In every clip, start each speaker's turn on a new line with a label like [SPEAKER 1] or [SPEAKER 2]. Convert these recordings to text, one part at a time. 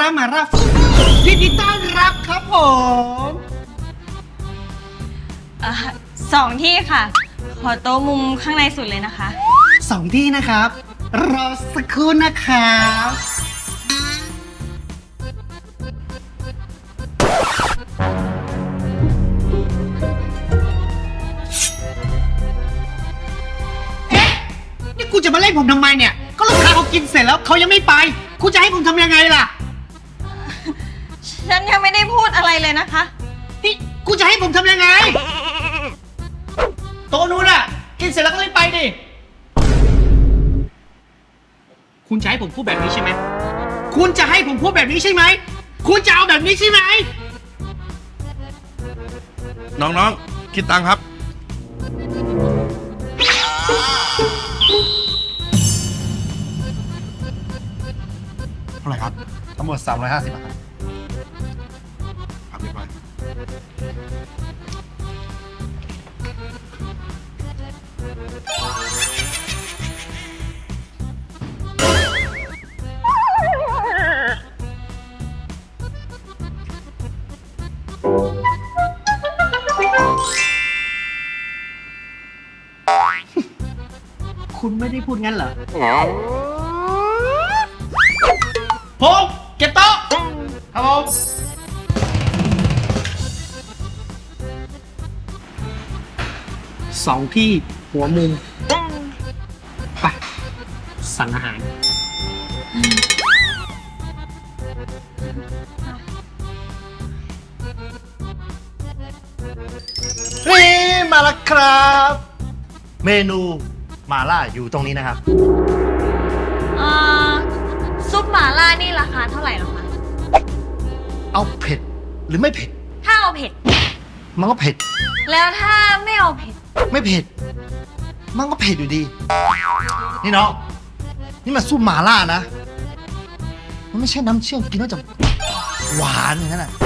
[SPEAKER 1] มารายินดีต้อนรับครับผม
[SPEAKER 2] 2 ที่ค่ะ ขอโต๊ะมุมข้างในสุดเลยนะคะ
[SPEAKER 1] 2 ที่นะครับรอสักครู่นะครับนี่กูจะมาเล่นผมทำไมเนี่ยก็ลูกค้าเขากินเสร็จแล้วเขายังไม่ไปกูจะให้ผมทำยังไงล่ะ
[SPEAKER 2] ฉันยังไม่ได้พูดอะไรเลยนะคะ
[SPEAKER 1] นี่กูจะให้ผมทำยังไงโต๊ะนู้นอ่ะกินเสร็จแล้วก็รีบไปดิคุณจะให้ผมพูดแบบนี้ใช่ไหมคุณจะให้ผมพูดแบบนี้ใช่ไหมคุณจะเอาแบบนี้ใช่ไหม
[SPEAKER 3] น้องๆคิดตังค์ครับเท่าไหร่ครับทั้งหมด350บาทครับเรียบร้อย
[SPEAKER 1] คุณไม่ได้พูดงั้นเหรอพงเก็บโต๊ะครับผม2 ที่หัวมุมไปสั่งอาหาร
[SPEAKER 4] นี่มาแล้วครับ เมนูมาล่าอยู่ตรงนี้นะครับ
[SPEAKER 2] ซุปหม่าล่านี่ราคาเท่าไหร่หรอคะ
[SPEAKER 4] เอาเผ็ดหรือไม่เผ็ด
[SPEAKER 2] ถ้าเอาเผ็ด
[SPEAKER 4] มันก็เผ็ด
[SPEAKER 2] แล้วถ้าไม่เอาเผ็ด
[SPEAKER 4] ไม่เผ็ด มันก็เผ็ดอยู่ดี นี่น้องนี่มันซุปหมาล่านะ มันไม่ใช่น้ำเชื่อมกินแล้วจะหวานอย่างนั้นน่ะ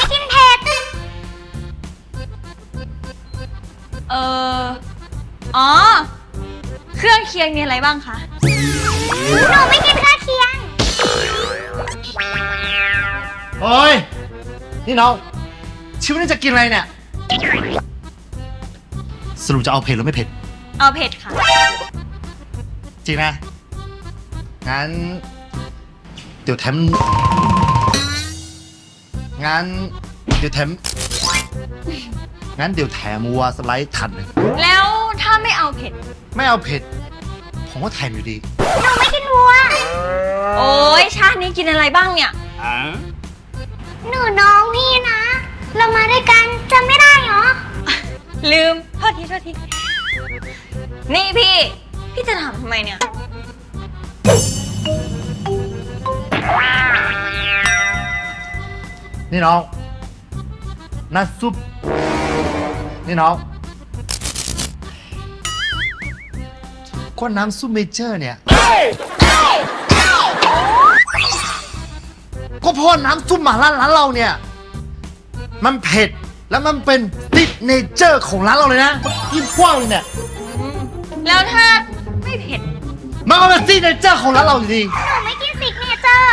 [SPEAKER 2] อ๋อ เครื่องเคียงมีอะไรบ้างคะ
[SPEAKER 5] หนูไม่กินข้าวเคียง
[SPEAKER 4] โอ้ยนี่น้องชีวิตนี้จะกินอะไรเนี่ยสรุปจะเอาเผ็ดหรือไม่เผ็ด
[SPEAKER 2] เอาเผ็ดค่ะ
[SPEAKER 4] จริงนะ งั้น เดี๋ยวแถมงั้นเดี๋ยวแถมวัวสไลด์ทันหนึ่ง
[SPEAKER 2] แล้วถ้าไม่เอาเผ็ด
[SPEAKER 4] ไม่เอาเผ็ด ผมก็แถมอยู่ดี
[SPEAKER 5] หนูไม่กินวัว
[SPEAKER 2] โอ้ยชาตินี้กินอะไรบ้างเนี่ย
[SPEAKER 5] หนูน้องพี่นะ เรามาด้วยกันจำไม่ได้เหรอ
[SPEAKER 2] ลืม โทษที นี่พี่จะถามทำไมเนี่ย
[SPEAKER 4] นี่น้องน้ำซุปนี่น้องก็น้ำซุปเมเจอร์เนี่ยก็เพราะน้ำซุปหม่าล่าร้านเราเนี่ยมันเผ็ดแล้วมันเป็นซิกเนเจอร์ของร้านเราเลยนะยิ่งกว้างเลยเนี่ย
[SPEAKER 2] แล้วถ้าไม่เผ็ด
[SPEAKER 4] มันก็เป็นซิกเนเจอร์ของร้านเราอยู่ดี
[SPEAKER 5] หนูไม่กินซิกเนเจอร์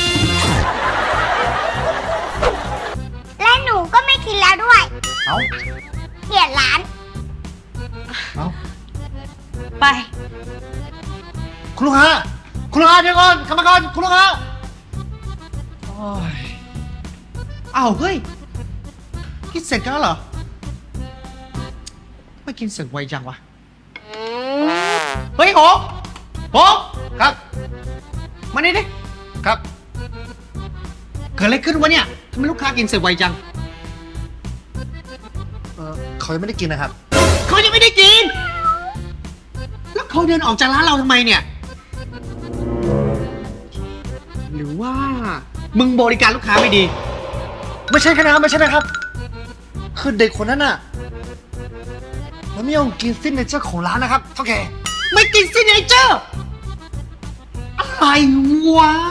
[SPEAKER 5] และหนูก็ไม่กินแล้วด้วย
[SPEAKER 4] เอ้า
[SPEAKER 5] เปลี่ยนร้าน
[SPEAKER 4] เอ้า
[SPEAKER 2] ไป
[SPEAKER 4] คุณลูกค้าเดี๋ยวก่อนกรรมการคุณลูกค้าโอ้ย
[SPEAKER 1] อ้าวเฮ้ยกินเสร็จกันแล้วเหรอไม่กินเสร็จไวจังวะเฮ้ยโห
[SPEAKER 4] ครับ
[SPEAKER 1] มานี่ดิ
[SPEAKER 4] ครับ
[SPEAKER 1] เกิดอะไรขึ้นวะเนี่ยทำไมลูกค้ากินเสร็จไวจัง
[SPEAKER 4] เขายังไม่ได้กินนะครับ
[SPEAKER 1] เขายังไม่ได้กิน แล้วเขาเดินออกจากร้านเราทำไมเนี่ย หรือว่ามึงบริการลูกค้าไม่ดี
[SPEAKER 4] ไม่ใช่แค่นะครับไม่ใช่นะครับ คือเด็กคนนั้นน่ะมันไม่ยอมกินซิกเนเจอร์ของร้านนะครับเท่าแก่
[SPEAKER 1] ไม่กินซิกเนเจอร์อะไรวะ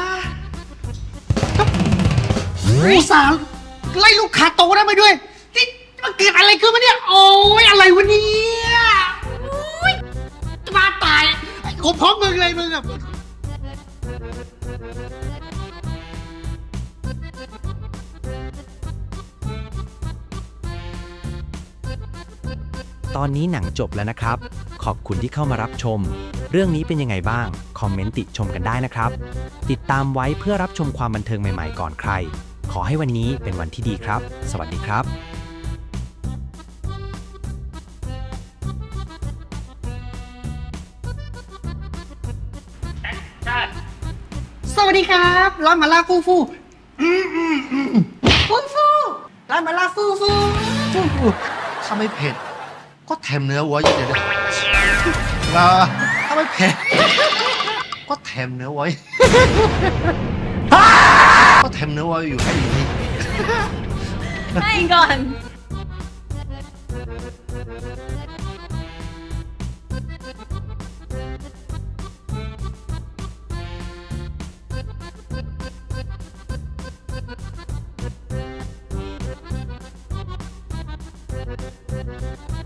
[SPEAKER 1] อุตส่าห์ไล่ลูกค้าโตได้ไปด้วยนี่มันเกิดอะไรขึ้นมาเนี่ย โอ้ยอะไรวะเนี่ยโอ้ยจะมาตายกูพร้อมมึงเลยมึงอะ
[SPEAKER 6] ตอนนี้หนังจบแล้วนะครับ ขอบคุณที่เข้ามารับชม เรื่องนี้เป็นยังไงบ้าง คอมเมนต์ติชมกันได้นะครับ ติดตามไว้เพื่อรับชมความบันเทิงใหม่ๆก่อนใคร ขอให้วันนี้เป็นวันที่ดีครับ สวัสดีครับ
[SPEAKER 1] สวัสดีครับร้านหมาล่าฟูฟูฟูฟูร้านหมาล่าฟูฟู
[SPEAKER 4] ถ้าไม่เผ็ด ก็แถมเนื้อวัวเยอะเดี๋ยวถ้าไม่เผ็ด ก็แถมเนื้อไว้ ก็แถมเนื้อไว้อยู่ให้อยู่นี่
[SPEAKER 2] ให้ก่อน